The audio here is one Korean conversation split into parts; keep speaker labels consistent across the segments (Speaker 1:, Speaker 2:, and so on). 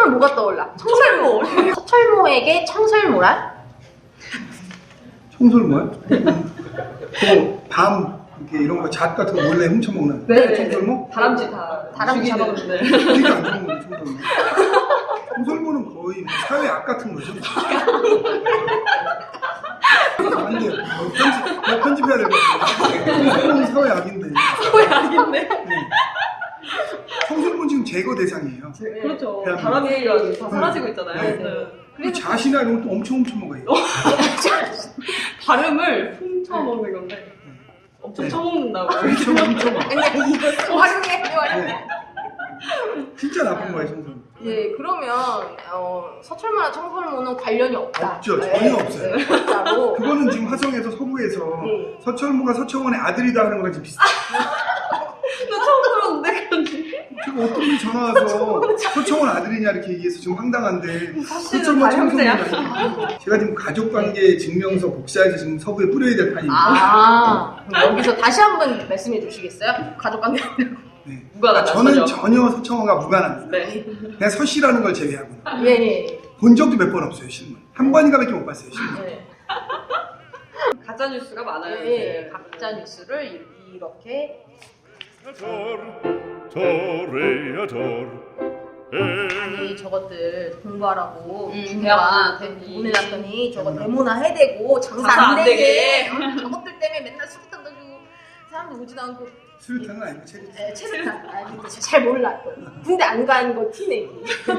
Speaker 1: 하면 뭐가 떠올라? 청설모. 서철모에게 청설모란?
Speaker 2: 청설모요? 밤 이렇게 이런 거 잣 같은 거 몰래 훔쳐먹는
Speaker 1: 네.
Speaker 2: 청설모?
Speaker 3: 다람쥐 다
Speaker 1: 다람쥐
Speaker 3: 죽이는.
Speaker 1: 잡아먹는.
Speaker 2: 되게 안 좋은 거예요, 청설모. 청설모는 거의 뭐 사회 악 같은 거죠. 안 돼요. 편집해야 될 것 같아요. 청설모는 사회 악인데.
Speaker 3: 사회 악인데.
Speaker 2: 네. 청설모는 지금 제거 대상이에요.
Speaker 3: 그렇죠.
Speaker 2: 대한민국.
Speaker 3: 다람쥐가 다 사라지고 있잖아요.
Speaker 2: 네.
Speaker 3: 네.
Speaker 2: 그리고 잣이나 이런 것도 엄청 훔쳐먹어요.
Speaker 3: 발음을 훔쳐먹는 건데 엄청 쳐먹는다고.
Speaker 2: 훔쳐먹어.
Speaker 1: 아니 이거 활용해.
Speaker 2: 네. 진짜 나쁜 거예요, 청설모.
Speaker 1: 예, 그러면 서철모나 청설모는 관련이 없다.
Speaker 2: 없죠. 전혀 없어요.
Speaker 1: 진짜로.
Speaker 2: 그거는 지금 화성에서 서구에서 서철모가 서청원의 아들이다 하는 거랑 지금 비슷해요.
Speaker 3: 나 처음 들었는데 그런지.
Speaker 2: 제가 어떤 분이 전화 와서 서청원 아들이냐 이렇게 얘기해서 지금 황당한데
Speaker 3: 사실은
Speaker 2: 서철모
Speaker 3: 다 형제야.
Speaker 2: 청설모가 제가 지금 가족관계 증명서 복사해서 지금 서구에 뿌려야 될 판입니다.
Speaker 1: 그럼 여기서 다시 한번 말씀해 주시겠어요? 가족관계.
Speaker 2: 네.
Speaker 3: 무관하다,
Speaker 2: 저는
Speaker 3: 전혀.
Speaker 2: 전혀 서청원과 무관합니다.
Speaker 3: 네.
Speaker 2: 그냥 서씨라는 걸 제외하고
Speaker 1: 예.
Speaker 2: 본 적도 몇 번 없어요, 신문. 한 번인가밖에 못 봤어요, 신문.
Speaker 1: 예.
Speaker 3: 가짜 뉴스가 많아요.
Speaker 1: 예.
Speaker 3: 이제.
Speaker 1: 가짜 뉴스를 이렇게 아니 저것들 공부하라고
Speaker 3: 대학
Speaker 1: 보내놨더니 저거 데모나 해대고 장사
Speaker 3: 장사
Speaker 1: 안
Speaker 3: 안
Speaker 1: 되게 저것들 때문에 맨날 수류탄 던지고 사람들 오지도 않고
Speaker 2: 수류탄은 아니고 체류탄.
Speaker 1: 체류탄 잘 몰라 또 군대 안 간 거 티내기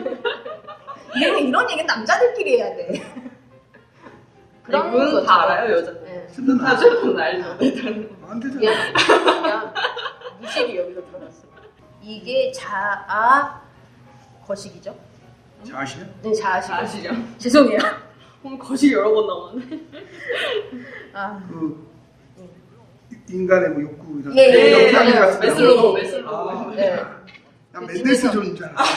Speaker 1: 이런 얘기는 남자들끼리 해야 돼.
Speaker 3: 그런 건 다 알아요, 여자.
Speaker 1: 네.
Speaker 2: 수류탄은 안
Speaker 3: 여자들은 알죠.
Speaker 2: 안 되잖아.
Speaker 1: 그냥 무식이 여기서 들어갔어. 이게 자아 거식이죠?
Speaker 2: 자아시냐?
Speaker 1: 네, 자아식.
Speaker 3: 아시죠?
Speaker 1: 죄송해요.
Speaker 3: 오늘 거실 여러 번 나왔네.
Speaker 1: 아,
Speaker 2: 그 인간의 뭐 욕구 이런
Speaker 1: 예,
Speaker 2: 영상이
Speaker 1: 예,
Speaker 2: 같은 거.
Speaker 3: 메슬로우,
Speaker 1: 예.
Speaker 3: 메슬로우.
Speaker 1: 네.
Speaker 2: 난 맨델스존인 줄 알았어.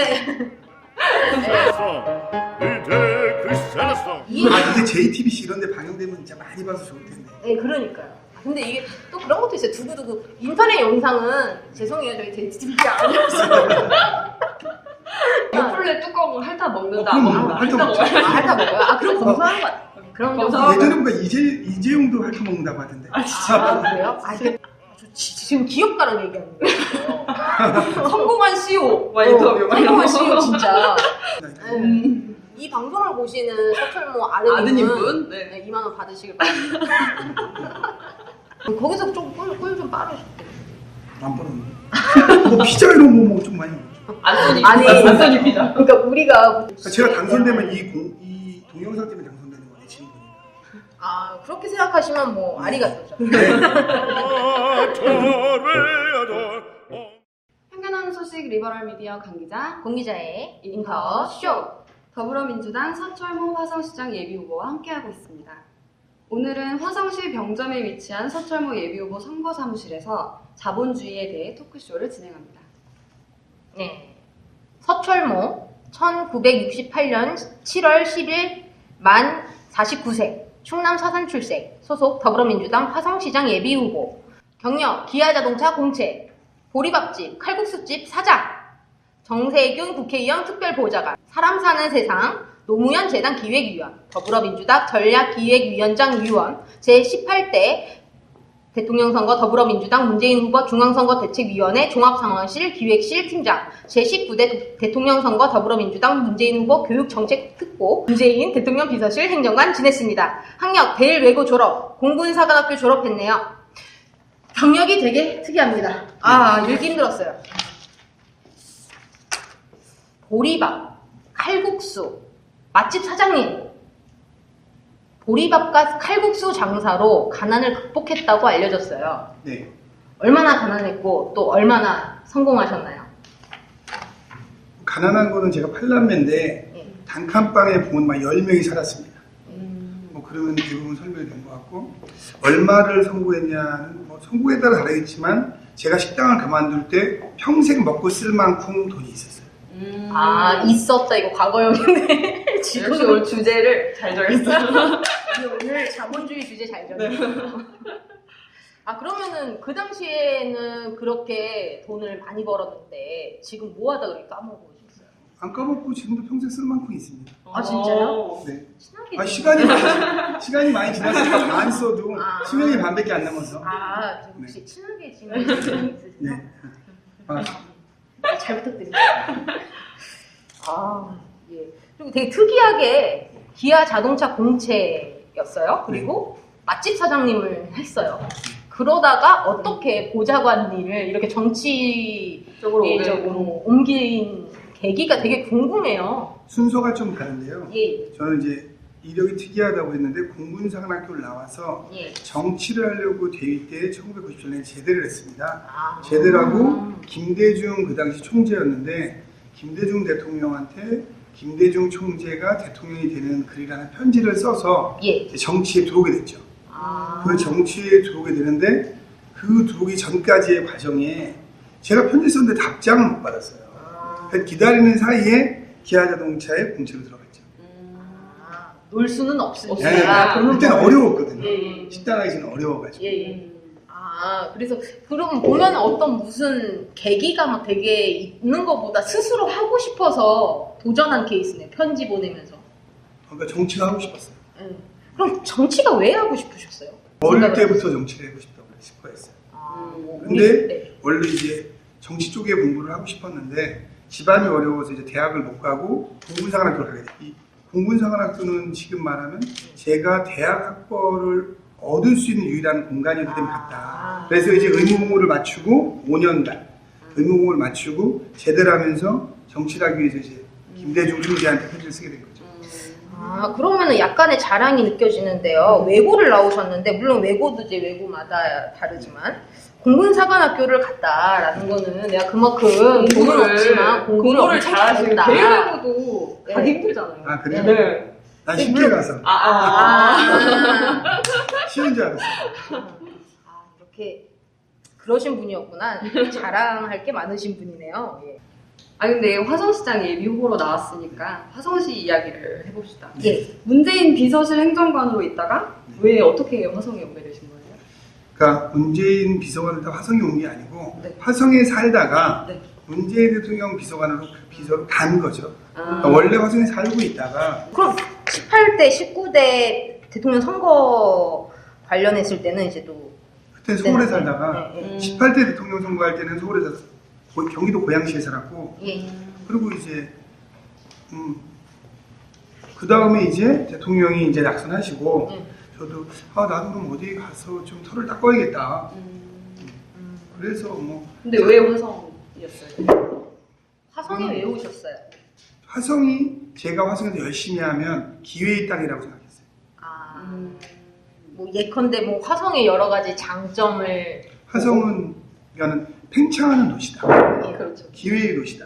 Speaker 2: 이게 JTBC 이런 데 방영되면 진짜 많이 봐서 좋을 텐데.
Speaker 1: 네, 그러니까요. 근데 이게 또 그런 것도 있어요. 두고두고 인터넷 영상은 죄송해요. 저희 JTBC 아니었어요.
Speaker 3: 요플레 뚜껑을 핥아 먹는다.
Speaker 2: 그럼
Speaker 3: 먹는다.
Speaker 2: 핥아
Speaker 3: 핥아
Speaker 2: 먹죠.
Speaker 3: 먹어요.
Speaker 1: 핥아 먹어요? 그럼 검사하는 것 같아요. 그런 거.
Speaker 3: 검사.
Speaker 2: 예전에 보니까 이재용도 핥아먹는다고 하던데.
Speaker 1: 그래요? 지금 기업가랑 얘기하는 거예요.
Speaker 3: 성공한 CEO 막 인터뷰 막 이런
Speaker 1: 성공한
Speaker 3: 거.
Speaker 1: CEO 진짜.
Speaker 2: 네.
Speaker 1: 이 방송을 보시는 서철모
Speaker 3: 아드님분? 네.
Speaker 1: 2만 원 받으시길 바랍니다. 거기서 좀 꿀 좀 빨으시고.
Speaker 2: 안 벌었네. 뭐 피자 이런 거 좀 많이 먹죠.
Speaker 3: 안소니
Speaker 1: 아니,
Speaker 3: 안소니 피자.
Speaker 1: 그러니까 우리가
Speaker 2: 제가 당선되면 이 동영상 때문에 당선되는 거네, 친구니.
Speaker 1: 그렇게 생각하시면 뭐 아리가또죠.
Speaker 4: 편견하는 소식 리버럴 미디어 강기자
Speaker 1: 공기자의 인터 쇼.
Speaker 4: 더불어민주당 서철모 화성시장 예비후보와 함께하고 있습니다. 오늘은 화성시 병점에 위치한 서철모 예비후보 선거사무실에서 자본주의에 대해 토크쇼를 진행합니다.
Speaker 1: 네. 서철모 1968년 7월 10일 만 49세 충남 서산 출생 소속 더불어민주당 화성시장 예비후보 경력 기아자동차 공채 보리밥집 칼국수집 사장 정세균 국회의원 특별보좌관 사람 사는 세상 노무현 재단 기획위원 더불어민주당 전략기획위원장 위원 제18대 대통령 선거 더불어민주당 문재인 후보 중앙선거 대책위원회 종합상황실 기획실 팀장 제19대 대통령 선거 더불어민주당 문재인 후보 교육정책특보 문재인 대통령 비서실 행정관 지냈습니다. 학력 대일외고 졸업 공군사관학교 졸업했네요. 경력이 되게 특이합니다. 읽기 힘들었어요. 보리밥, 칼국수, 맛집 사장님. 보리밥과 칼국수 장사로 가난을 극복했다고 알려졌어요.
Speaker 2: 네.
Speaker 1: 얼마나 가난했고 또 얼마나 성공하셨나요?
Speaker 2: 가난한 거는 제가 8남매인데 단칸방에 부모님 막 10명이 살았습니다. 뭐 그러면 대부분 설명이 된 것 같고 얼마를 선고했냐는 뭐 선고에 따라 다르겠지만 제가 식당을 그만둘 때 평생 먹고 쓸 만큼 돈이 있었어요.
Speaker 1: 있었다 이거 과거형인데
Speaker 3: 역시 오늘 주제를 잘 정했어요.
Speaker 1: 오늘 자본주의 주제 잘 정했어요. 그러면은 그 당시에는 그렇게 돈을 많이 벌었는데 지금 뭐 하다가 그렇게 까먹으셨어요?
Speaker 2: 안 까먹고 지금도 평생 쓸 만큼 있습니다.
Speaker 1: 아, 진짜요?
Speaker 2: 네.
Speaker 1: 친하게
Speaker 2: 아,
Speaker 1: 지내요.
Speaker 2: 시간이 많이 지났으니까 안 써도
Speaker 1: 아.
Speaker 2: 수명이 반밖에 안 남아서.
Speaker 1: 아, 저 혹시 친하게 지내는 분이 있으세요?
Speaker 2: 네. 아,
Speaker 1: 잘 부탁드립니다. 아, 예. 그리고 되게 특이하게 기아 자동차 공채였어요. 그리고 맛집 사장님을 했어요. 그러다가 어떻게 보좌관 일을 이렇게 정치적으로 옮긴 계기가 되게 궁금해요.
Speaker 2: 순서가 좀 다른데요.
Speaker 1: 예,
Speaker 2: 저는 이제 이력이 특이하다고 했는데 공군사관학교를 나와서
Speaker 1: 예.
Speaker 2: 정치를 하려고 대위 때 1997년에 제대를 했습니다.
Speaker 1: 아,
Speaker 2: 제대를 하고 김대중 그 당시 총재였는데 김대중 대통령한테 김대중 총재가 대통령이 되는 글이라는 편지를 써서
Speaker 1: 예.
Speaker 2: 이제 정치에 들어오게 됐죠.
Speaker 1: 아,
Speaker 2: 그 정치에 들어오게 되는데 그 들어오기 전까지의 과정에 제가 편지 썼는데 답장을 못 받았어요. 그래서 기다리는 사이에 기아자동차에 공채로 들어갔죠.
Speaker 1: 아, 놀 수는 없으니까.
Speaker 2: 네,
Speaker 1: 돈은
Speaker 2: 그때는
Speaker 1: 벌-
Speaker 2: 어려웠거든요.
Speaker 1: 예, 예.
Speaker 2: 식당하기 전에 어려워가지고.
Speaker 1: 예, 예. 아, 그래서 그럼 보면 어떤 무슨 계기가 막 되게 있는 것보다 스스로 하고 싶어서 도전한 케이스네. 편지 보내면서.
Speaker 2: 그러니까 정치가 하고 싶었어요.
Speaker 1: 예. 그럼 정치가 왜 하고 싶으셨어요?
Speaker 2: 어릴
Speaker 1: 생각을
Speaker 2: 때부터 정치를 하고 싶어 했어요.
Speaker 1: 아, 뭐
Speaker 2: 근데
Speaker 1: 네.
Speaker 2: 원래 이제 정치 쪽에 공부를 하고 싶었는데 집안이 어려워서 이제 대학을 못 가고 공군사관학교를 가게 됐어요. 이 공군사관학교는 지금 말하면 제가 대학 학벌을 얻을 수 있는 유일한 공간이기 때문에 갔다. 그래서 이제 의무공부를 마치고 5년간 의무공부를 마치고 제대를 하면서 정치를 하기 위해서 이제 김대중 총재한테 편지를 쓰게 된 거죠.
Speaker 1: 아, 그러면은 약간의 자랑이 느껴지는데요. 외고를 나오셨는데, 물론 외고도 이제 외고마다 다르지만, 공군사관학교를 갔다라는 거는 내가 그만큼 돈은 없지만 공부를 엄청
Speaker 3: 잘하시는
Speaker 1: 잘했다.
Speaker 3: 대외외고도
Speaker 1: 네.
Speaker 3: 가기 힘들잖아요.
Speaker 2: 아 그래요?
Speaker 3: 네.
Speaker 2: 난 쉽게 가서
Speaker 1: 아,
Speaker 2: 쉬운 줄 알았어요.
Speaker 1: 아, 이렇게 그러신 분이었구나. 자랑할 게 많으신 분이네요. 예.
Speaker 4: 아 근데 화성시장 예비 후보로 나왔으니까 화성시 이야기를 해봅시다.
Speaker 1: 예.
Speaker 4: 문재인 비서실 행정관으로 있다가 왜 어떻게 화성에 오게 되신 거예요?
Speaker 2: 그러니까 문재인 비서관을 다 화성에 온 게 아니고
Speaker 4: 네.
Speaker 2: 화성에 살다가
Speaker 4: 네.
Speaker 2: 문재인 대통령 비서관으로 비서로 간 거죠.
Speaker 4: 아,
Speaker 2: 그러니까 원래 화성에 살고 있다가
Speaker 1: 그럼 18대, 19대 대통령 선거 관련했을 때는 이제 또
Speaker 2: 그때 서울에 살다가
Speaker 1: 네, 네.
Speaker 2: 18대 대통령 선거할 때는 서울에 서 경기도 고양시에 살았고
Speaker 1: 예.
Speaker 2: 그리고 이제 그 다음에 이제 대통령이 이제 낙선하시고 저도 나도 그럼 어디 가서 좀 털을 닦아야겠다. 그래서 뭐
Speaker 4: 근데 왜 화성이었어요?
Speaker 1: 화성에 왜 오셨어요?
Speaker 2: 화성이 제가 화성에서 열심히 하면 기회의 땅이라고 생각했어요.
Speaker 1: 아, 뭐 예컨대 뭐 화성의 여러 가지 장점을
Speaker 2: 화성은 그러니까는 팽창하는 도시다.
Speaker 1: 예.
Speaker 4: 그렇죠.
Speaker 2: 기회의 도시다.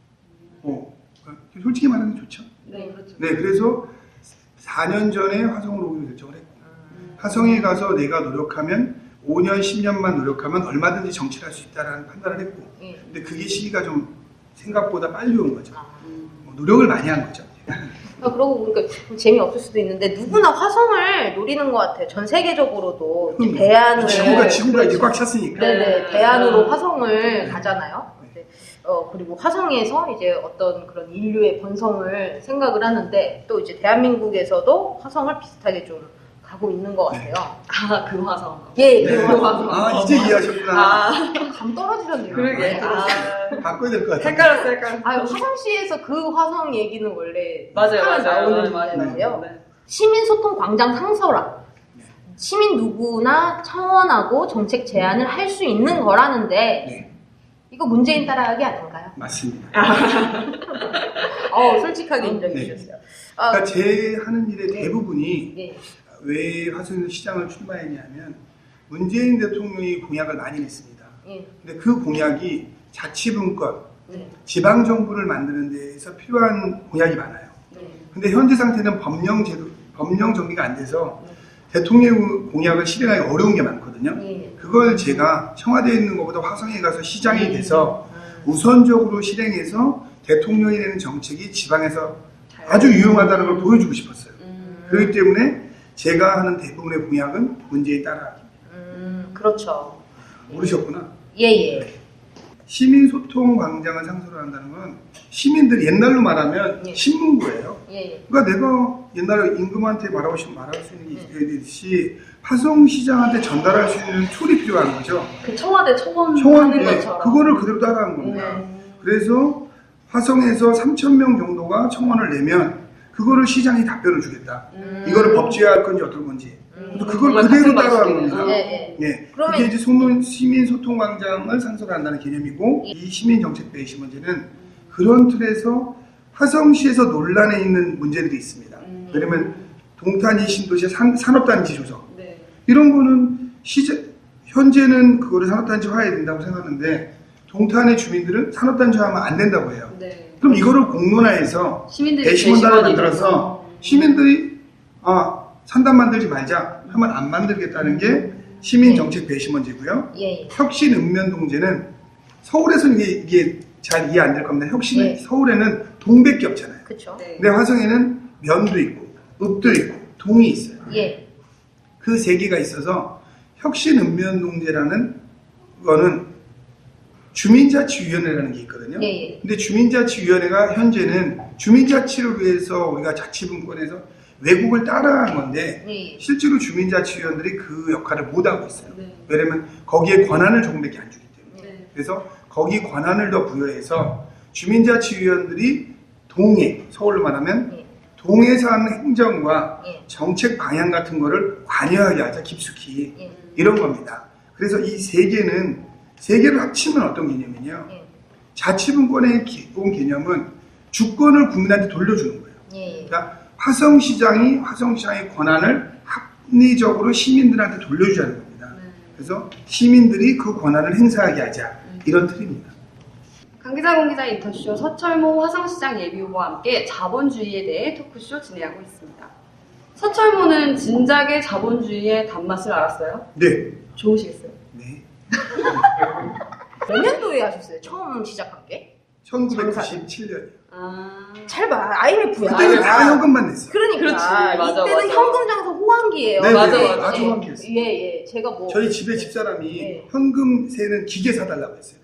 Speaker 2: 솔직히 말하면 좋죠.
Speaker 4: 네, 그렇죠.
Speaker 2: 네, 그래서 4년 전에 화성으로 오기로 결정을 했고 화성에 가서 내가 노력하면 5년, 10년만 노력하면 얼마든지 정치를 할 수 있다는 판단을 했고
Speaker 1: 예.
Speaker 2: 근데 그게 시기가 좀 생각보다 빨리 온 거죠.
Speaker 1: 아.
Speaker 2: 노력을 많이 한 거죠.
Speaker 1: 아, 그러고 보니까 좀 재미없을 수도 있는데 누구나 화성을 노리는 것 같아요. 전 세계적으로도 이제 대안을
Speaker 2: 지구가 이제 꽉 찼으니까.
Speaker 1: 네네 대안으로 화성을 가잖아요. 이제, 그리고 화성에서 이제 어떤 그런 인류의 번성을 생각을 하는데 또 이제 대한민국에서도 화성을 비슷하게 좀 가고 있는 것 같아요.
Speaker 4: 아, 그 화성.
Speaker 1: 예,
Speaker 2: 네.
Speaker 1: 그 화성.
Speaker 2: 아, 이제 이해하셨구나.
Speaker 1: 감 떨어지셨네요.
Speaker 4: 그러게. 아,
Speaker 2: 바꿔야 될 것 같아요.
Speaker 4: 헷갈렸어, 헷갈렸어.
Speaker 1: 아, 화성시에서 그 화성 얘기는 원래
Speaker 4: 맞아요,
Speaker 1: 하면
Speaker 4: 맞아요.
Speaker 1: 나오는
Speaker 4: 맞아요.
Speaker 1: 문제인데요.
Speaker 4: 네.
Speaker 1: 시민소통 광장 상설화. 시민 누구나 청원하고 정책 제안을 할 수 있는 거라는데
Speaker 2: 네.
Speaker 1: 이거 문재인 따라하기 아닌가요?
Speaker 2: 맞습니다.
Speaker 1: 솔직하게 인정해
Speaker 2: 네.
Speaker 1: 주셨어요.
Speaker 2: 그러니까 제 하는 일의
Speaker 1: 네.
Speaker 2: 대부분이
Speaker 1: 예.
Speaker 2: 왜 화성에서 시장을 출마했냐면 문재인 대통령이 공약을 많이 냈습니다.
Speaker 1: 예.
Speaker 2: 근데 그 공약이 자치분권,
Speaker 1: 네.
Speaker 2: 지방정부를 만드는 데에서 필요한 공약이 많아요.
Speaker 1: 네.
Speaker 2: 근데 현재 상태는 법령 정리가 안 돼서 대통령 공약을 실행하기 어려운 게 많거든요.
Speaker 1: 예.
Speaker 2: 그걸 제가 청와대에 있는 것보다 화성에 가서 시장이 돼서 우선적으로 실행해서 대통령이 되는 정책이 지방에서 아주 유용하다는 걸 보여주고 싶었어요. 그렇기 때문에 제가 하는 대부분의 공약은 문재인 따라하기입니다.
Speaker 1: 그렇죠.
Speaker 2: 모르셨구나.
Speaker 1: 예예.
Speaker 2: 시민소통광장을 상설을 한다는 건 시민들이 옛날로 말하면
Speaker 1: 예.
Speaker 2: 신문고예요.
Speaker 1: 예.
Speaker 2: 그러니까 내가 옛날에 임금한테 말할 수 있는 게 있듯이 화성시장한테 전달할 수 있는 툴이 필요한 거죠.
Speaker 3: 그 청와대 청원
Speaker 2: 청원,
Speaker 3: 하는
Speaker 2: 예,
Speaker 3: 것처럼.
Speaker 2: 그거를 그대로 따라한 겁니다. 그래서 화성에서 3,000명 정도가 청원을 내면 그거를 시장이 답변을 주겠다. 이거를 법제화할 건지 어떨 건지. 그래서 그걸
Speaker 3: 정말
Speaker 2: 그대로
Speaker 3: 같은
Speaker 2: 따라한
Speaker 3: 방식이네요.
Speaker 2: 겁니다.
Speaker 1: 예.
Speaker 2: 예.
Speaker 1: 그러면-
Speaker 2: 그게 이제 시민소통광장을 상설한다는 개념이고,
Speaker 1: 예.
Speaker 2: 이 시민정책배시 문제는 그런 틀에서 화성시에서 논란에 있는 문제들이 있습니다. 왜냐면 동탄이 신도시의 산업단지 조성.
Speaker 3: 네.
Speaker 2: 이런 거는 현재는 그거를 산업단지화해야 된다고 생각하는데 동탄의 주민들은 산업단지화하면 안 된다고 해요.
Speaker 3: 네.
Speaker 2: 그럼 이거를 공론화해서
Speaker 3: 시민들이
Speaker 2: 배심원단을
Speaker 3: 배심원이
Speaker 2: 만들어서
Speaker 3: 돼서.
Speaker 2: 시민들이 산단 만들지 말자 하면 안 만들겠다는 게 시민정책 배심원제고요.
Speaker 1: 예.
Speaker 2: 혁신 읍면동제는 서울에서는 이게 잘 이해 안 될 겁니다.
Speaker 1: 네.
Speaker 2: 서울에는 동밖에 없잖아요.
Speaker 1: 그쵸.
Speaker 3: 네.
Speaker 2: 근데 화성에는 면도 있고 읍도 있고 동이 있어요.
Speaker 1: 예.
Speaker 2: 그 세 개가 있어서 혁신 읍면동제라는 거는 주민자치위원회라는 게 있거든요.
Speaker 1: 예.
Speaker 2: 근데 주민자치위원회가 현재는 주민자치를 위해서 우리가 자치분권에서 외국을 따라한 건데
Speaker 1: 예.
Speaker 2: 실제로 주민자치위원들이 그 역할을 못하고 있어요.
Speaker 3: 네.
Speaker 2: 왜냐면 거기에 권한을 조금밖에 안 주기 때문에.
Speaker 3: 네.
Speaker 2: 그래서 거기 권한을 더 부여해서 주민자치위원들이 동해, 서울로 말하면
Speaker 1: 예.
Speaker 2: 동해에서 하는 행정과
Speaker 1: 예.
Speaker 2: 정책 방향 같은 거를 관여하게 하자, 깊숙이.
Speaker 1: 예.
Speaker 2: 이런 겁니다. 그래서 이 세 개를 합치면 어떤 개념이냐.
Speaker 1: 예.
Speaker 2: 자치분권의 기본 개념은 주권을 국민한테 돌려주는 거예요.
Speaker 1: 예.
Speaker 2: 그러니까 화성시장의 권한을 합리적으로 시민들한테 돌려주자는 겁니다.
Speaker 3: 네.
Speaker 2: 그래서 시민들이 그 권한을 행사하게 하자. 이런 틀입니다.
Speaker 4: 강기자 공기자 인터쇼 서철모 화성시장 예비후보와 함께 자본주의에 대해 토크쇼 진행하고 있습니다. 서철모는 진작에 자본주의의 단맛을 알았어요?
Speaker 2: 네.
Speaker 4: 좋으시겠어요?
Speaker 2: 네.
Speaker 1: 몇 년도에 하셨어요? 처음 시작한 게?
Speaker 2: 1997년.
Speaker 1: 잘 봐. IMF야.
Speaker 2: 그때는 다 현금만 냈어요.
Speaker 1: 그러니까
Speaker 3: 그렇지. 맞아,
Speaker 1: 이때는
Speaker 3: 맞아.
Speaker 1: 현금 장사 호황기예요.
Speaker 2: 네,
Speaker 3: 맞아,
Speaker 2: 네,
Speaker 3: 맞아.
Speaker 2: 아주 호황기였어요.
Speaker 1: 예. 제가 뭐
Speaker 2: 저희 집에 집사람이
Speaker 1: 네.
Speaker 2: 현금 세는 기계 사달라고 했어요.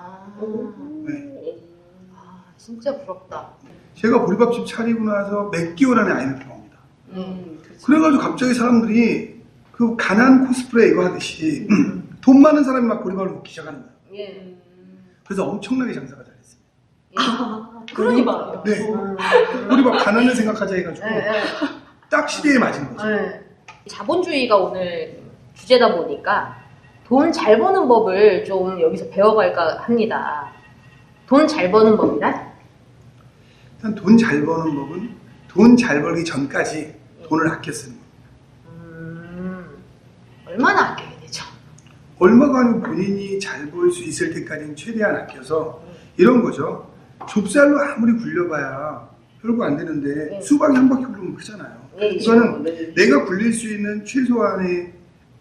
Speaker 2: 네.
Speaker 1: 진짜 부럽다.
Speaker 2: 제가 보리밥집 차리고 나서 몇 개월 안에 IMF가 옵니다.
Speaker 3: 그렇죠.
Speaker 2: 그래가지고 갑자기 사람들이 그 가난 코스프레 이거 하듯이 돈 많은 사람이 막 보리밥을 먹기 시작하는 거예요.
Speaker 1: 예.
Speaker 2: 그래서 엄청나게 장사가 잘했어요.
Speaker 3: 그러니까.
Speaker 2: 네. 보리밥 가난을 생각하자 해가지고
Speaker 1: 예.
Speaker 2: 딱 시대에 맞은 거죠.
Speaker 1: 예. 자본주의가 오늘 주제다 보니까 돈 잘 버는 법을 좀 여기서 배워갈까 합니다. 돈 잘 버는 법이란?
Speaker 2: 일단 돈 잘 버는 법은 돈 잘 벌기 전까지 돈을 아껴 쓰는 거예요.
Speaker 1: 얼마나 아껴야 되죠?
Speaker 2: 얼마가 아니고 본인이 잘 벌 수 있을 때까지는 최대한 아껴서 이런 거죠. 좁쌀로 아무리 굴려봐야 별거 안 되는데
Speaker 1: 네.
Speaker 2: 수박이 한 바퀴 굴리면 크잖아요.
Speaker 1: 네,
Speaker 2: 이거는
Speaker 3: 네.
Speaker 2: 내가 굴릴 수 있는 최소한의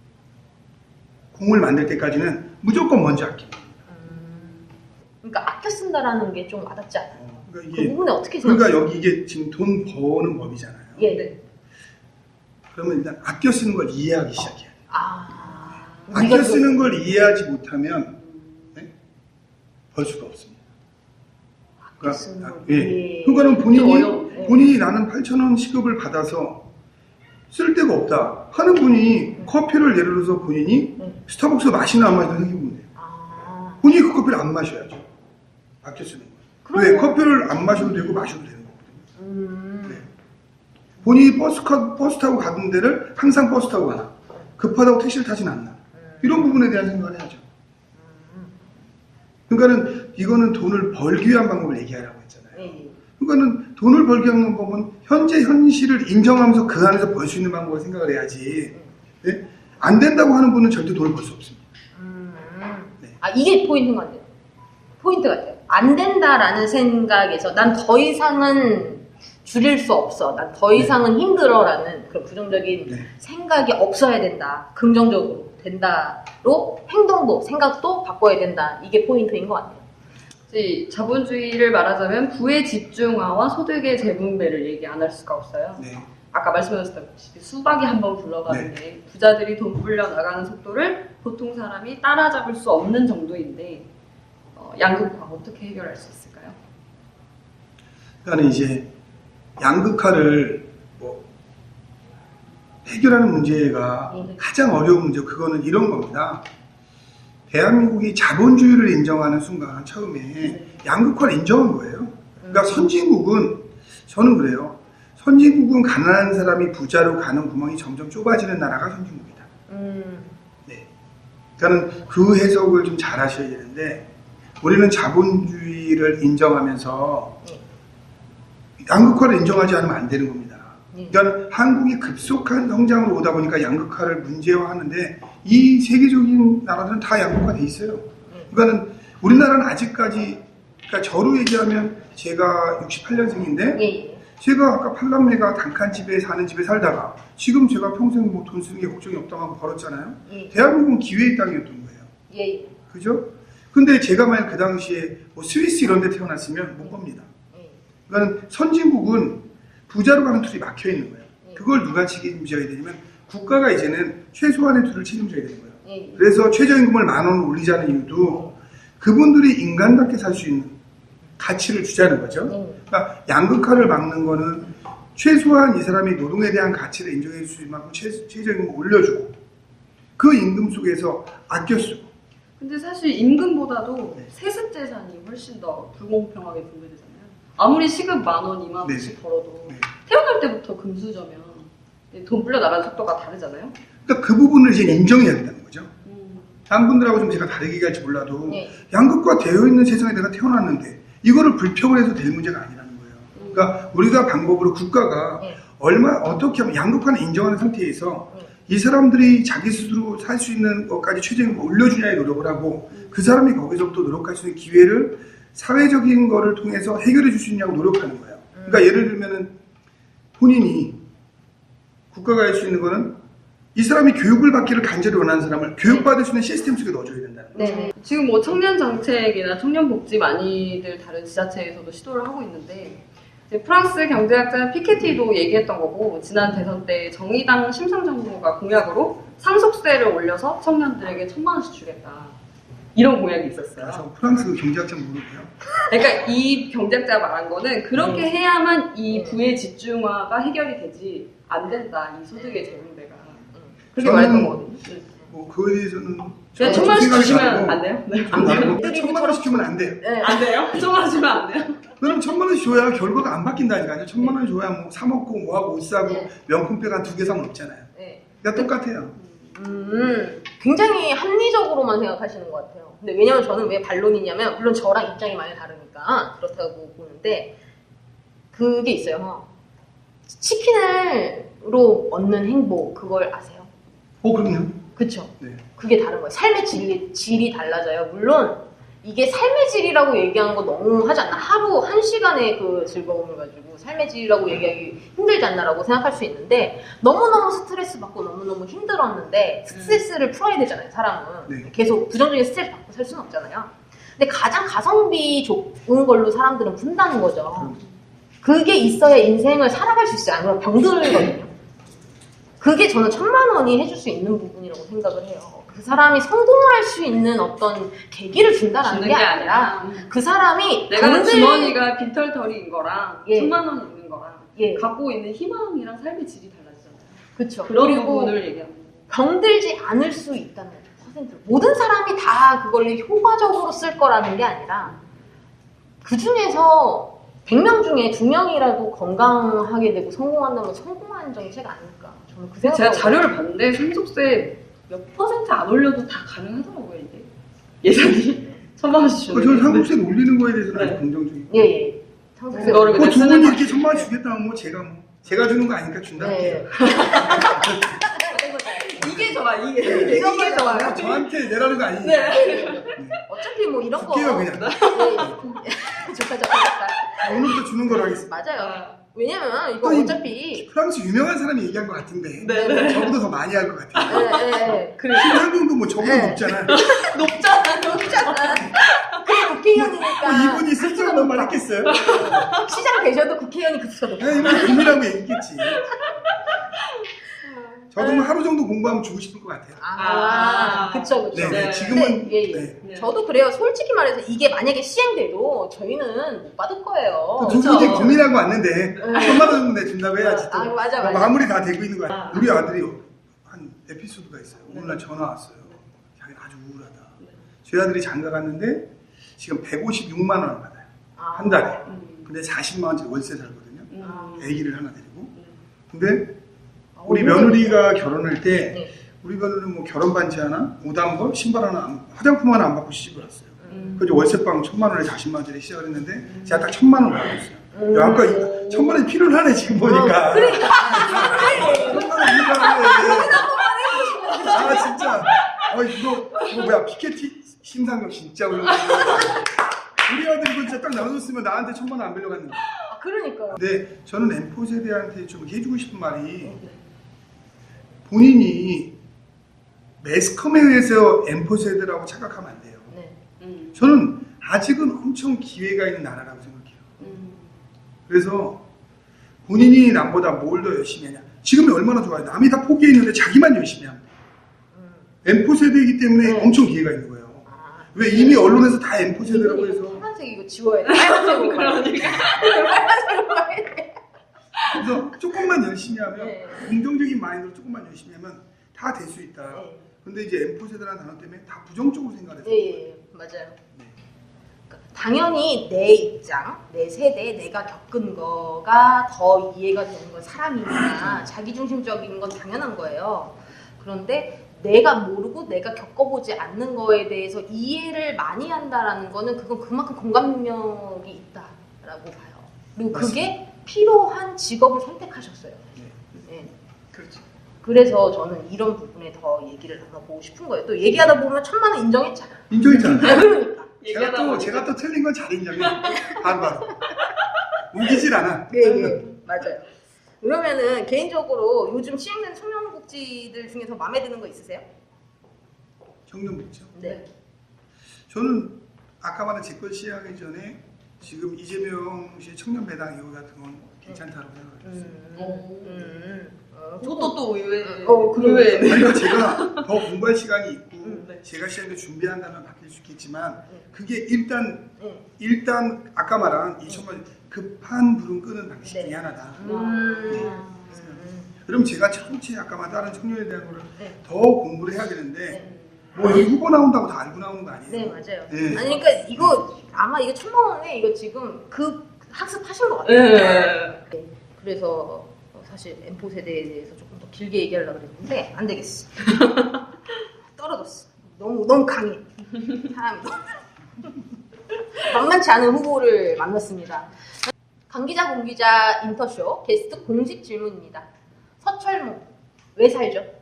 Speaker 2: 공을 만들 때까지는 무조건 먼저 아낍니다.
Speaker 1: 그러니까 아껴 쓴다라는 게 좀 와닿지 않아요.
Speaker 2: 그러니까
Speaker 1: 그
Speaker 2: 이게
Speaker 1: 부분에 어떻게 생각해요?
Speaker 2: 그러니까 여기 이게 지금 돈 버는 법이잖아요.
Speaker 1: 예, 네.
Speaker 2: 그러면 일단 아껴 쓰는 걸 이해하기 시작해야 돼요.
Speaker 1: 우리가
Speaker 2: 아껴 쓰는 걸 이해하지 못하면 네? 벌 수가 없습니다.
Speaker 1: 아껴 쓰는 걸
Speaker 2: 예.
Speaker 1: 이해.
Speaker 2: 그러니까는
Speaker 3: 어려워.
Speaker 2: 본인이 나는 8,000원 시급을 받아서 쓸 데가 없다 하는 분이 커피를 예를 들어서 본인이 스타벅스 마시나 안 마시나 생각해보면 돼요. 본인이 그 커피를 안 마셔야죠. 아껴 쓰는 거예요. 왜? 커피를 안 마셔도 되고 마셔도 되는 거거든요. 네. 본인이 버스 타고 가는 데를 항상 버스 타고 가나 급하다고 택시를 타진 않나 이런 부분에 대한 생각을 해야죠. 그러니까는 이거는 돈을 벌기 위한 방법을 얘기하라고 했잖아요. 그러니까는 돈을 벌기 위한 방법은 현재 현실을 인정하면서 그 안에서 벌 수 있는 방법을 생각을 해야지. 네? 안 된다고 하는 분은 절대 돈을 벌 수 없습니다. 네.
Speaker 1: 이게 포인트 같아요. 포인트 같아요. 안 된다라는 생각에서 난 더 이상은 줄일 수 없어. 난 더 이상은 힘들어라는 그런 부정적인
Speaker 2: 네.
Speaker 1: 생각이 없어야 된다. 긍정적으로 된다로 행동도 생각도 바꿔야 된다. 이게 포인트인 것 같아요.
Speaker 4: 자본주의를 말하자면 부의 집중화와 소득의 재분배를 얘기 안 할 수가 없어요.
Speaker 2: 네.
Speaker 4: 아까 말씀하셨다시피 수박이 한번 굴러가는데 부자들이 돈 불려 나가는 속도를 보통 사람이 따라잡을 수 없는 정도인데 양극화 어떻게 해결할 수 있을까요?
Speaker 2: 그러니까 이제 양극화를 뭐 해결하는 문제가 가장 어려운 문제, 그거는 이런 겁니다. 대한민국이 자본주의를 인정하는 순간 처음에 양극화를 인정한 거예요. 그러니까 선진국은, 저는 그래요. 선진국은 가난한 사람이 부자로 가는 구멍이 점점 좁아지는 나라가 선진국이다. 네. 그러니까 그 해석을 좀 잘 하셔야 되는데, 우리는 자본주의를 인정하면서 양극화를 인정하지 않으면 안 되는 겁니다. 그러니까 한국이 급속한 성장으로 오다 보니까 양극화를 문제화하는데, 이 세계적인 나라들은 다 양극화돼 있어요. 그러니까는 우리나라는 아직까지, 그러니까 저로 얘기하면 제가 68년생인데 제가 아까 팔남매가 단칸집에 사는 집에 살다가 지금 제가 평생 뭐 돈 쓰는 게 걱정이 없다고 하고 벌었잖아요. 대한민국은 기회의 땅이었던 거예요. 그죠? 근데 제가 만약 그 당시에 뭐 스위스 이런 데 태어났으면 못 법니다. 그러니까 선진국은 부자로 가는 틀이 막혀 있는 거예요. 그걸 누가 책임져야 되냐면 국가가 이제는 최소한의 틀을 책임져야 되는 거예요. 그래서 최저임금을 10,000원을 올리자는 이유도 그분들이 인간답게 살 수 있는 가치를 주자는 거죠. 그러니까 양극화를 막는 거는 최소한 이 사람이 노동에 대한 가치를 인정해 줄 수 있는 만큼 최저임금을 올려주고 그 임금 속에서 아껴 쓰고.
Speaker 4: 근데 사실 임금보다도 세습 재산이 훨씬 더 불공평하게 분배되잖아요. 아무리 시급 10,000원, 20,000원씩 벌어도 태어날 때부터 금수저면 돈 불려 나가는 속도가 다르잖아요.
Speaker 2: 그러니까 그 부분을 이제 인정해야 된다는 거죠. 다른 분들하고 좀 제가 다르게 얘기할지 몰라도 양극화 되어 있는 세상에 내가 태어났는데 이거를 불평을 해서 될 문제가 아니라는 거예요. 그러니까 우리가 방법으로 국가가 어떻게 하면 양극화를 인정하는 상태에서 이 사람들이 자기 스스로 살 수 있는 것까지 최저임금을 올려주냐에 노력을 하고 그 사람이 거기서부터 노력할 수 있는 기회를 사회적인 거를 통해서 해결해 줄 수 있냐고 노력하는 거예요. 그러니까 예를 들면은 본인이 국가가 할 수 있는 거는 이 사람이 교육을 받기를 간절히 원하는 사람을 교육받을 수 있는 시스템 속에 넣어줘야 된다는 거죠.
Speaker 4: 지금 뭐 청년 정책이나 청년 복지 많이들 다른 지자체에서도 시도를 하고 있는데 이제 프랑스 경제학자 피케티도 얘기했던 거고 지난 대선 때 정의당 심상정부가 공약으로 상속세를 올려서 청년들에게 1,000만 원씩 주겠다 이런 공약이 있었어요.
Speaker 2: 저 프랑스 경제학자 모르고요.
Speaker 4: 그러니까 이 경제학자가 말한 거는 그렇게 해야만 이 부의 집중화가 해결이 되지 안 된다 이 소득의 재분배가 그렇게 말했던 거거든요.
Speaker 2: 뭐 그거에 대해서는
Speaker 4: 그냥 1,000만 원씩 주시면 안 돼요? 네.
Speaker 2: 1,000만 원씩 주면 안 돼요.
Speaker 4: 안 돼요? 1,000만 원 주면 안 돼요?
Speaker 2: 그럼 1,000만 원씩 줘야 결과가 안 바뀐다니까요. 1,000만 원 줘야 뭐 사 먹고 뭐하고 옷 사고 명품백 한 2개 사면 없잖아요. 그러니까 똑같아요.
Speaker 1: 굉장히 합리적으로만 생각하시는 것 같아요. 근데 왜냐면 저는 왜 반론이냐면 물론 저랑 입장이 많이 다르니까 그렇다고 보는데 그게 있어요. 치킨으로 얻는 행복 그걸 아세요?
Speaker 2: 그럼요.
Speaker 1: 그쵸?
Speaker 2: 네.
Speaker 1: 그게 다른 거예요. 삶의 질이 달라져요. 물론 이게 삶의 질이라고 얘기하는 거 너무 하지 않나? 하루 1시간의 그 즐거움을 가지고 삶의 질이라고 얘기하기 힘들지 않나라고 생각할 수 있는데 너무너무 스트레스 받고 너무너무 힘들었는데 스트레스를 풀어야 되잖아요, 사람은. 계속 부정적인 스트레스 받고 살 수는 없잖아요. 근데 가장 가성비 좋은 걸로 사람들은 푼다는 거죠. 그게 있어야 인생을 살아갈 수 있어요. 아니면 병들거든요. 그게 저는 1,000만 원이 해줄 수 있는 부분이라고 생각을 해요. 그 사람이 성공할 수 있는 어떤 계기를 준다라는 게 아니라 그 사람이
Speaker 4: 내가 주머니가 빈털터리인 거랑 1,000만 원 있는 거랑
Speaker 1: 예.
Speaker 4: 갖고 있는 희망이랑 삶의 질이 달라지잖아요.
Speaker 1: 그렇죠.
Speaker 4: 그런 부분을 얘기하는 거예요.
Speaker 1: 병들지 않을 수 있다는 퍼센트. 모든 사람이 다 그걸 효과적으로 쓸 거라는 게 아니라 그 중에서 100명 중에 2명이라도 건강하게 되고 성공한다면 성공한 정책 아닐까. 저는 그 생각.
Speaker 4: 제가 자료를 봤는데 상속세 몇 퍼센트 안 올려도 다 가능하더라고요 이게 예산이 1,000만 원씩 주는.
Speaker 2: 저는 상속세 올리는 거에 대해서는 아주 긍정적이고.
Speaker 1: 예. 상속세.
Speaker 4: 그거를
Speaker 2: 두 분이 이렇게 1,000만 원 주겠다면 뭐 제가 주는 거 아니니까 준다 할게요.
Speaker 4: 이게 좋아 이게 좋아요.
Speaker 2: 저한테 내라는 거 아니에요.
Speaker 1: 어차피 뭐 이런 거.
Speaker 2: 줄게요 그냥.
Speaker 1: 좋다.
Speaker 2: 오늘부터 주는 거로 하겠습니다.
Speaker 1: 맞아요. 왜냐면 이거
Speaker 2: 또
Speaker 1: 어차피
Speaker 2: 프랑스 유명한 사람이 얘기한 것 같은데 저보다 더 많이 할 것 같아요.
Speaker 1: 그래.
Speaker 2: 신한정도 뭐 저보다 높잖아.
Speaker 1: 높잖아. 그래 국회의원이니까.
Speaker 2: 이분이 스스로 말했겠어요?
Speaker 1: 시장 되셔도 국회의원이 그 수가 높아.
Speaker 2: 이분 금이라고 얘기했겠지. 저도 뭐 하루 정도 공부하면 주고 싶을 것 같아요.
Speaker 1: 그쵸, 그쵸.
Speaker 2: 네,
Speaker 3: 네.
Speaker 2: 지금은
Speaker 1: 예, 예.
Speaker 2: 네.
Speaker 3: 네.
Speaker 1: 저도 그래요. 솔직히 말해서 이게 만약에 시행돼도 저희는 못 받을 거예요.
Speaker 2: 두 분이
Speaker 3: 그쵸.
Speaker 2: 고민하고 왔는데 1,000만 원 정도 내준다고 해야지 또
Speaker 1: 맞아,
Speaker 2: 뭐
Speaker 1: 맞아.
Speaker 2: 마무리 다 되고 있는 거야.
Speaker 3: 아.
Speaker 2: 우리 아들이 한 에피소드가 있어요. 오늘날 전화 왔어요. 자기가 아주 우울하다. 저희 아들이 장가 갔는데 지금 156만 원을 받아요. 한 달에. 근데 40만 원짜리 월세 살거든요. 아기를 하나 데리고. 근데 우리 며느리가 결혼할 때
Speaker 1: 네.
Speaker 2: 우리 며느리는 뭐 결혼 반지 하나, 옷 한 벌, 신발 하나, 화장품 하나 안 받고 시집을 왔어요. 그래서 월세방 1,000만 원에 40만 원짜리 시작을 했는데 제가 딱 1,000만 원을 받고 있어요. 야, 아까 1,000만 원이 필요하네 지금 보니까.
Speaker 1: 그러니까.
Speaker 2: 1,000만 원 필요하네. 아 진짜. 이거 뭐야 피케티 심상정 진짜 올라가. 우리 아들 이거 진짜 딱 나눠줬으면 나한테 1,000만 원 안 빌려갔는데.
Speaker 1: 그러니까요.
Speaker 2: 근데 저는 M4 세대한테 좀 해주고 싶은 말이 본인이 매스컴에 의해서 M4 세대라고 착각하면 안 돼요.
Speaker 1: 네.
Speaker 2: 저는 아직은 엄청 기회가 있는 나라라고 생각해요. 그래서 본인이 남보다 뭘 더 열심히 하냐. 지금이 얼마나 좋아요. 남이 다 포기했는데 자기만 열심히 하면 돼요. M4 세대이기 때문에
Speaker 1: 네.
Speaker 2: 엄청 기회가 있는 거예요. 왜 이미 언론에서 다 M4 세대라고
Speaker 1: 이거
Speaker 2: 해서.
Speaker 1: 파란색 이거 지워야 돼. 빨간색으로
Speaker 3: 그러니까.
Speaker 1: 빨간색으로 가야 돼.
Speaker 2: 그래서 조금만 열심히 하면
Speaker 1: 네.
Speaker 2: 긍정적인 마인드로 조금만 열심히 하면 다 될 수 있다.
Speaker 1: 네.
Speaker 2: 근데 이제 M4 세대라는 단어 때문에 다 부정적으로 생각해서
Speaker 1: 예, 맞아요. 그러니까 당연히 내 입장, 내 세대, 내가 겪은 거가 더 이해가 되는 건 사람이니까 자기중심적인 건 당연한 거예요. 그런데 내가 모르고 내가 겪어보지 않는 거에 대해서 이해를 많이 한다라는 거는 그건 그만큼 공감 능력이 있다라고 봐요. 그리고 그게 필요한 직업을 선택하셨어요. 네.
Speaker 2: 그렇죠.
Speaker 1: 그래서 저는 이런 부분에 더 얘기를 나눠보고 싶은 거예요. 또 얘기하다 보면 1,000만 원 인정했잖아.
Speaker 2: 인정했잖아요.
Speaker 1: 그러니까.
Speaker 3: 얘기하다 보니까.
Speaker 2: 제가 또 틀린 건 잘 인정해. 바로. 우기질 않아.
Speaker 1: 네, 맞아요. 그러면은 개인적으로 요즘 시행된 청년복지들 중에서 마음에 드는 거 있으세요?
Speaker 2: 청년복지요.
Speaker 1: 네.
Speaker 2: 저는 아까 말한 제걸 시행하기 전에 지금 이재명 씨의 청년 배당 이후 같은 건 괜찮다고 생각했어요.
Speaker 3: 그것도 또 의외.
Speaker 1: 그래.
Speaker 2: 아니, 그러니까 제가 더 공부할 시간이 있고
Speaker 3: 네.
Speaker 2: 제가 시험에 준비한다면 바뀔 수 있겠지만
Speaker 1: 네.
Speaker 2: 그게 일단 아까 말한 2천만 급한 불은 끄는 방식
Speaker 1: 네.
Speaker 2: 중에 하나다.
Speaker 1: 음.
Speaker 2: 그럼 제가 청취 아까 말한 다른 청년에 대한 거를
Speaker 1: 네.
Speaker 2: 더 공부를 해야 되는데
Speaker 1: 네.
Speaker 2: 뭐 이 후보 나온다고 다 알고 나오는 거 아니에요?
Speaker 1: 네, 맞아요.
Speaker 2: 네.
Speaker 1: 아니, 그러니까 이거 아마 이거 1,000만 원에 이거 지금 학습하신 것 같아요.
Speaker 3: 네.
Speaker 1: 네. 그래서 사실 M4 세대에 대해서 조금 더 길게 얘기하려고 그랬는데 안 되겠어. 떨어졌어. 너무 강해. 사람이 만만치 않은 후보를 만났습니다. 강 기자, 공 기자 인터쇼 게스트 공식 질문입니다. 서철모 왜 살죠?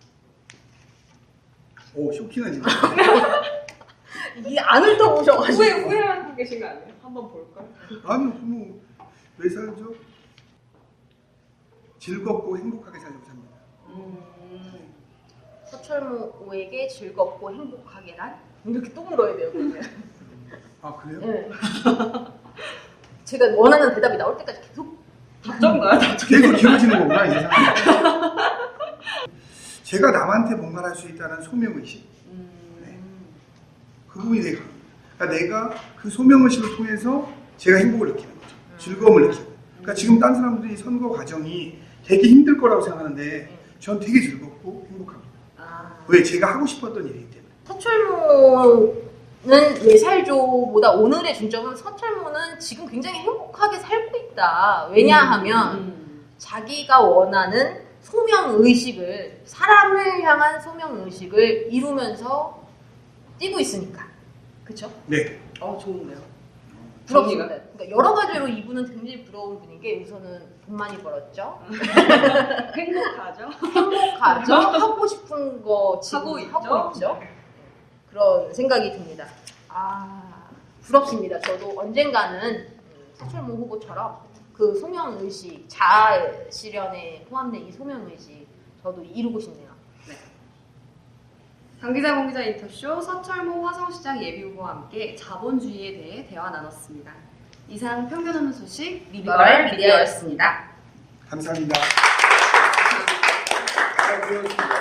Speaker 2: 오 쇼킹한 질문.
Speaker 1: 이게 안 훑어보셔가지고
Speaker 3: 후회하고 계신 거 아니에요? 한번 볼까요?
Speaker 2: 아니 뭐왜 살죠? 즐겁고 행복하게 살려고 삽니다.
Speaker 1: 서철모에게 즐겁고 행복하게란? 이렇게 또 물어야 돼요. 그러면.
Speaker 2: 아 그래요?
Speaker 1: 네. 제가 원하는 대답이 나올 때까지 계속
Speaker 3: 답정가요?
Speaker 2: 계속 길어지는 거구나 이 상황이. 제가 남한테 뭔가를 할 수 있다는 소명의식. 그 부분이 되게 강합니다. 그러니까 내가 그 소명의식을 통해서 제가 행복을 느끼는 거죠. 즐거움을 느끼고. 그러니까 지금 딴 사람들이 선거 과정이 되게 힘들 거라고 생각하는데 전 되게 즐겁고 행복합니다. 왜? 제가 하고 싶었던 일이기 때문에.
Speaker 1: 서철모는 왜 살죠보다 오늘의 중점은 서철모는 지금 굉장히 행복하게 살고 있다. 왜냐하면 자기가 원하는 소명의식을, 사람을 향한 소명의식을 이루면서 뛰고 있으니까. 그쵸?
Speaker 2: 네.
Speaker 3: 좋은데요.
Speaker 1: 부럽습니다. 그러니까 여러 가지로 이분은 굉장히 부러운 분인 게 우선은 돈 많이 벌었죠.
Speaker 3: 행복하죠?
Speaker 1: 행복하죠. 하고 싶은 거 지금
Speaker 3: 하고
Speaker 1: 하고
Speaker 3: 있죠.
Speaker 1: 있죠. 그런 생각이 듭니다. 부럽습니다. 저도 언젠가는 서철모 후보처럼 그 소명의식, 자아 실현에 포함된 이 소명의식 저도 이루고 싶네요.
Speaker 4: 강 기자, 공 기자 인터쇼 서철모 화성시장 예비후보와 함께 자본주의에 대해 대화 나눴습니다. 이상 편견 없는 소식
Speaker 1: 리버럴 미디어였습니다.
Speaker 2: 감사합니다.
Speaker 5: 수고하셨습니다.